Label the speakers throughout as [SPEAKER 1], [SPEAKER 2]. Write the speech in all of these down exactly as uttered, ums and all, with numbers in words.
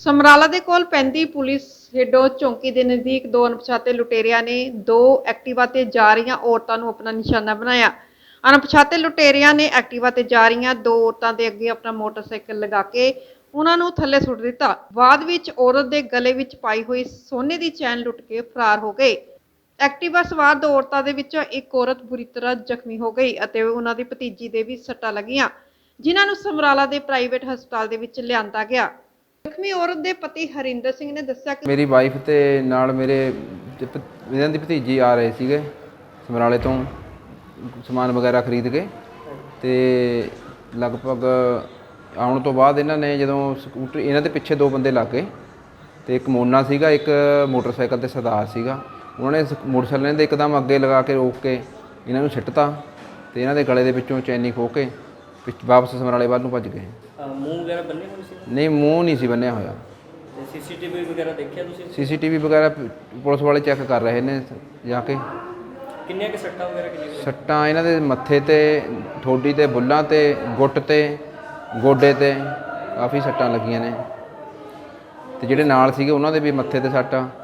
[SPEAKER 1] ਸਮਰਾਲਾ ਦੇ ਕੋਲ ਪੈਂਦੀ ਪੁਲਿਸ ਹੇਡੋ ਚੌਂਕੀ ਦੇ ਨਜ਼ਦੀਕ ਦੋ ਅਣਪਛਾਤੇ ਲੁਟੇਰਿਆਂ ਨੇ ਦੋ ਐਕਟਿਵਾ ਤੇ ਜਾ ਰਹੀਆਂ ਔਰਤਾਂ ਨੂੰ ਆਪਣਾ ਨਿਸ਼ਾਨਾ ਬਣਾਇਆ। ਅਣਪਛਾਤੇ ਲੁਟੇਰਿਆਂ ਨੇ ਐਕਟਿਵਾ ਤੇ ਜਾ ਰਹੀਆਂ ਦੋ ਔਰਤਾਂ ਦੇ ਅੱਗੇ ਆਪਣਾ ਮੋਟਰਸਾਈਕਲ ਲਗਾ ਕੇ ਉਹਨਾਂ ਨੂੰ ਥੱਲੇ ਸੁੱਟ ਦਿੱਤਾ। ਬਾਅਦ ਵਿੱਚ ਔਰਤ ਦੇ ਗਲੇ ਵਿੱਚ ਪਾਈ ਹੋਈ ਸੋਨੇ ਦੀ ਚੈਨ ਲੁੱਟ ਕੇ ਫਰਾਰ ਹੋ ਗਏ। ਐਕਟਿਵਾ ਸਵਾਰ ਦੋ ਔਰਤਾਂ ਦੇ ਵਿੱਚੋਂ ਇੱਕ ਔਰਤ ਬੁਰੀ ਤਰ੍ਹਾਂ ਜ਼ਖਮੀ ਹੋ ਗਈ ਅਤੇ ਉਹਨਾਂ ਦੀ ਭਤੀਜੀ ਦੇ ਵੀ ਸੱਟਾਂ ਲੱਗੀਆਂ, ਜਿਨ੍ਹਾਂ ਨੂੰ ਸਮਰਾਲਾ ਦੇ ਪ੍ਰਾਈਵੇਟ ਹਸਪਤਾਲ ਦੇ ਵਿੱਚ ਲਿਆਂਦਾ ਗਿਆ। ਜ਼ਖਮੀ ਔਰਤ ਦੇ ਪਤੀ ਹਰਿੰਦਰ ਸਿੰਘ ਨੇ ਦੱਸਿਆ ਕਿ
[SPEAKER 2] ਮੇਰੀ ਵਾਈਫ ਤੇ ਨਾਲ ਮੇਰੇ ਇਹਨਾਂ ਦੀ ਭਤੀਜੀ ਆ ਰਹੇ ਸੀਗੇ ਸਮਰਾਲੇ ਤੋਂ ਸਮਾਨ ਵਗੈਰਾ ਖਰੀਦ ਕੇ, ਤੇ ਲਗਭਗ ਆਉਣ ਤੋਂ ਬਾਅਦ ਇਹਨਾਂ ਨੇ ਜਦੋਂ ਸਕੂਟਰ ਇਹਨਾਂ ਦੇ ਪਿੱਛੇ ਦੋ ਬੰਦੇ ਲੱਗ ਗਏ ਤੇ ਇੱਕ ਮੋਨਾ ਸੀਗਾ, ਇੱਕ ਮੋਟਰਸਾਈਕਲ ਤੇ ਸਰਦਾਰ ਸੀਗਾ। ਉਹਨਾਂ ਨੇ ਮੋਟਰਸਾਈਕਲ ਦੇ ਇੱਕਦਮ ਅੱਗੇ ਲਗਾ ਕੇ ਰੋਕ ਕੇ ਇਹਨਾਂ ਨੂੰ ਸਿੱਟਤਾ ਤੇ ਇਹਨਾਂ ਦੇ ਗਲੇ ਦੇ ਵਿੱਚੋਂ ਚੈਨੀ ਖੋਹ ਕੇ ਵਾਪਸ ਸਮਰਾਲੇ ਵੱਲ ਨੂੰ ਭੱਜ ਗਏ।
[SPEAKER 3] ਮੂੰਹ ਵਗੈਰਾ ਬੰਨੇ ਹੋਏ ਸੀ?
[SPEAKER 2] ਨਹੀਂ, ਮੂੰਹ ਨਹੀਂ ਸੀ ਬੰਨਿਆ ਹੋਇਆ।
[SPEAKER 3] ਸੀਸੀਟੀਵੀ ਵਗੈਰਾ ਦੇਖਿਆ ਤੁਸੀਂ?
[SPEAKER 2] ਸੀਸੀਟੀਵੀ ਵਗੈਰਾ ਪੁਲਿਸ ਵਾਲੇ ਚੈੱਕ ਕਰ ਰਹੇ ਨੇ ਜਾ ਕੇ।
[SPEAKER 3] ਕਿੰਨੀਆਂ ਕਿ ਸੱਟਾਂ ਵਗੈਰਾ ਕਿੰਨੀਆਂ?
[SPEAKER 2] ਸੱਟਾਂ ਇਹਨਾਂ ਦੇ ਮੱਥੇ ਤੇ, ਠੋਡੀ ਤੇ, ਬੁੱਲਾਂ ਤੇ, ਗੁੱਟ ਤੇ, ਗੋਡੇ ਤੇ ਕਾਫੀ ਸੱਟਾਂ ਲੱਗੀਆਂ ਨੇ ਤੇ ਜਿਹੜੇ ਨਾਲ ਸੀਗੇ ਉਹਨਾਂ ਦੇ ਵੀ ਮੱਥੇ ਤੇ ਸੱਟ ਆ।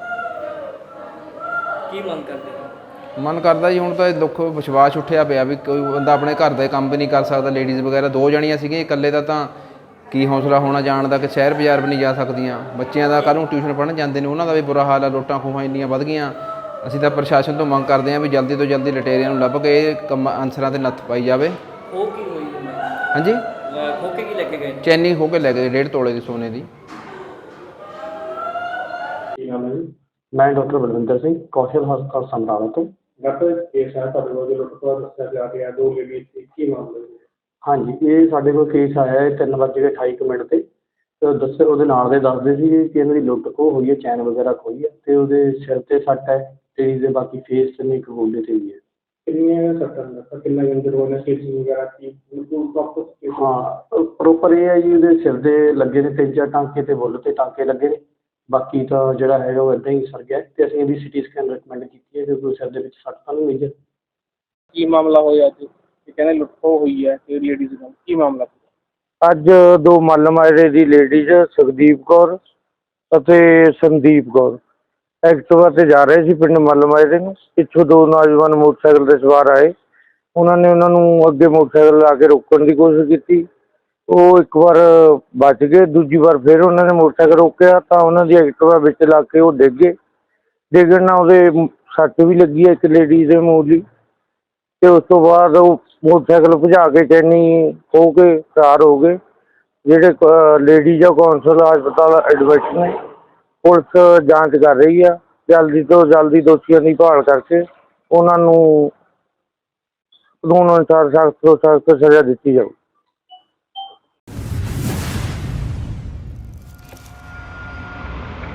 [SPEAKER 3] ਕੀ ਮੰਗ ਕਰਦੇ?
[SPEAKER 2] ਮਨ ਕਰਦਾ ਜੀ ਹੁਣ ਤਾਂ ਇਹ ਦੁੱਖ ਵਿਸ਼ਵਾਸ ਉੱਠਿਆ ਪਿਆ ਵੀ ਕੋਈ ਬੰਦਾ ਆਪਣੇ ਘਰ ਦਾ ਕੰਮ ਵੀ ਨਹੀਂ ਕਰ ਸਕਦਾ। ਲੇਡੀਜ਼ ਵਗੈਰਾ ਦੋ ਜਣੀਆਂ ਸੀਗੀਆਂ, ਇਕੱਲੇ ਦਾ ਤਾਂ ਕੀ ਹੌਸਲਾ ਹੋਣਾ ਜਾਣ ਦਾ ਕਿ ਸ਼ਹਿਰ ਬਾਜ਼ਾਰ ਵੀ ਨਹੀਂ ਜਾ ਸਕਦੀਆਂ। ਬੱਚਿਆਂ ਦਾ ਕੱਲ੍ਹ ਨੂੰ ਟਿਊਸ਼ਨ ਪੜ੍ਹਨ ਜਾਂਦੇ ਨੇ, ਉਹਨਾਂ ਦਾ ਵੀ ਬੁਰਾ ਹਾਲ ਆ। ਲੁੱਟਾਂ ਖੋਹਾਂ ਇੰਨੀਆਂ ਵੱਧ ਗਈਆਂ। ਅਸੀਂ ਤਾਂ ਪ੍ਰਸ਼ਾਸਨ ਤੋਂ ਮੰਗ ਕਰਦੇ ਹਾਂ ਵੀ ਜਲਦੀ ਤੋਂ ਜਲਦੀ ਲੁਟੇਰਿਆਂ ਨੂੰ ਲੱਭ ਕੇ ਇਹ ਕੰਮ ਅਨਸਰਾਂ 'ਤੇ ਨੱਥ ਪਾਈ ਜਾਵੇ।
[SPEAKER 3] ਉਹ ਕੀ ਹੋਈ?
[SPEAKER 2] ਹਾਂਜੀ,
[SPEAKER 3] ਖੋ ਕੇ ਕੀ ਲੈ ਕੇ ਗਏ?
[SPEAKER 2] ਚੈਨੀ ਖੋਹ ਕੇ ਲੈ ਗਏ ਡੇਢ ਤੋਲੇ ਦੀ ਸੋਨੇ ਦੀ।
[SPEAKER 4] ਮੈਂ ਡਾਕਟਰ ਬਲਵਿੰਦਰ ਸਿੰਘ, ਕੌਸ਼ਲ ਹਸਪਤਾਲ ਸਮਰਾਲਾ ਤੋਂ।
[SPEAKER 5] ਡਾਕਟਰ ਕੇਸ ਹੈ ਤੁਹਾਡੇ ਕੋਲ ਜੋ ਲੁੱਟ ਦੱਸਿਆ ਜਾ ਰਿਹਾ ਦੋ ਲੇਡੀਜ਼ ਸੀ, ਕੀ ਮਾਮਲਾ ਹੈ?
[SPEAKER 4] ਹਾਂਜੀ, ਇਹ ਸਾਡੇ ਕੋਲ ਕੇਸ ਆਇਆ ਹੈ ਤਿੰਨ ਵੱਜ ਕੇ ਅਠਾਈ ਕੁ ਮਿੰਟ 'ਤੇ। ਤੇ ਦੱਸੇ ਉਹਦੇ ਨਾਲ ਦੇ ਦੱਸਦੇ ਸੀ ਕਿ ਇਹਨਾਂ ਦੀ ਲੁੱਟ ਖੋਹ ਹੋਈ ਹੈ, ਚੈਨ ਵਗੈਰਾ ਖੋਈ ਹੈ ਅਤੇ ਉਹਦੇ ਸਿਰ 'ਤੇ ਸੱਟ ਹੈ ਅਤੇ ਇਹਦੇ ਬਾਕੀ ਫੇਸ 'ਤੇ ਨਹੀਂ, ਇੱਕ ਗੋਡੇ 'ਤੇ ਵੀ ਹੈ।
[SPEAKER 5] ਕਿੰਨੀਆਂ ਸੱਟਾਂ ਦੱਸਾਂ, ਕਿੰਨਾ ਇੰਜਰ ਹੋਇਆ, ਸਟਿਚਿੰਗ ਵਗੈਰਾ ਕੀ ਬਿਲਕੁਲ ਪ੍ਰੋਪਰ?
[SPEAKER 4] ਹਾਂ, ਪ੍ਰੋਪਰ ਇਹ ਹੈ ਜੀ, ਉਹਦੇ ਸਿਰ ਦੇ ਲੱਗੇ ਨੇ ਤਿੰਨ ਚਾਰ ਟਾਂਕੇ ਅਤੇ ਬੁੱਲ 'ਤੇ ਟਾਂਕੇ ਲੱਗੇ ਨੇ। ਬਾਕੀ ਤਾਂ ਜਿਹੜਾ ਹੈਗਾ ਉਹ ਇੱਦਾਂ ਹੀ ਸਰ ਗਿਆ ਅਤੇ ਅਸੀਂ ਇਹਦੀ ਸਿਟੀ ਸਕੈਨ ਰਿਕਮੈਂਡ ਕੀਤੀ ਹੈ ਕਿਉਂਕਿ ਸਿਰ ਦੇ ਵਿੱਚ ਸੱਟ ਤਾਂ ਨਹੀਂ ਮੇਜਰ।
[SPEAKER 5] ਕੀ ਮਾਮਲਾ ਹੋਇਆ ਅੱਜ? ਇਹ ਕਹਿੰਦੇ ਲੁੱਟ ਖੋਹ ਹੋਈ ਹੈ ਤੇ ਲੇਡੀਜ਼ ਨਾਲ ਕੀ ਮਾਮਲਾ?
[SPEAKER 6] ਅੱਜ ਦੋ ਮੱਲਮਾਜਰੇ ਦੀ ਲੇਡੀਜ਼ ਸੁਖਦੀਪ ਕੌਰ ਅਤੇ ਸੰਦੀਪ ਕੌਰ ਐਕਟਿਵਾ 'ਤੇ ਜਾ ਰਹੇ ਸੀ ਪਿੰਡ ਮੱਲਮਾਜਰੇ ਨੂੰ। ਪਿੱਛੋਂ ਦੋ ਨੌਜਵਾਨ ਮੋਟਰਸਾਈਕਲ 'ਤੇ ਸਵਾਰ ਆਏ। ਉਹਨਾਂ ਨੇ ਉਹਨਾਂ ਨੂੰ ਅੱਗੇ ਮੋਟਰਸਾਈਕਲ ਲਾ ਕੇ ਰੋਕਣ ਦੀ ਕੋਸ਼ਿਸ਼ ਕੀਤੀ। ਉਹ ਇੱਕ ਵਾਰ ਬਚ ਗਏ, ਦੂਜੀ ਵਾਰ ਫਿਰ ਉਹਨਾਂ ਨੇ ਮੋਟਰਸਾਈਕਲ ਰੋਕਿਆ ਤਾਂ ਉਹਨਾਂ ਦੀ ਐਕਟਿਵਾ ਵਿੱਚ ਲੱਗ ਕੇ ਉਹ ਡਿੱਗ ਗਏ। ਡਿੱਗਣ ਨਾਲ ਉਹਦੇ ਸੱਟ ਵੀ ਲੱਗੀ ਹੈ ਇੱਕ ਲੇਡੀਜ਼ ਦੇ ਮੂੰਹ ਦੀ, ਅਤੇ ਉਸ ਤੋਂ ਬਾਅਦ ਉਹ ਮੋਟਰਸਾਈਕਲ ਭਜਾ ਕੇ ਚੈਨੀ ਖੋਹ ਕੇ ਫਰਾਰ ਹੋ ਗਏ। ਜਿਹੜੇ ਲੇਡੀਜ਼ ਆ ਕੌਂਸਲ ਹਸਪਤਾਲ ਐਡਮਿਟ ਨੇ। ਪੁਲਿਸ ਜਾਂਚ ਕਰ ਰਹੀ ਆ, ਜਲਦੀ ਤੋਂ ਜਲਦੀ ਦੋਸ਼ੀਆਂ ਦੀ ਭਾਲ ਕਰਕੇ ਉਹਨਾਂ ਨੂੰ ਕਾਨੂੰਨ ਅਨੁਸਾਰ ਸਖਤ ਤੋਂ ਸਖਤ ਸਜ਼ਾ ਦਿੱਤੀ ਜਾਊ।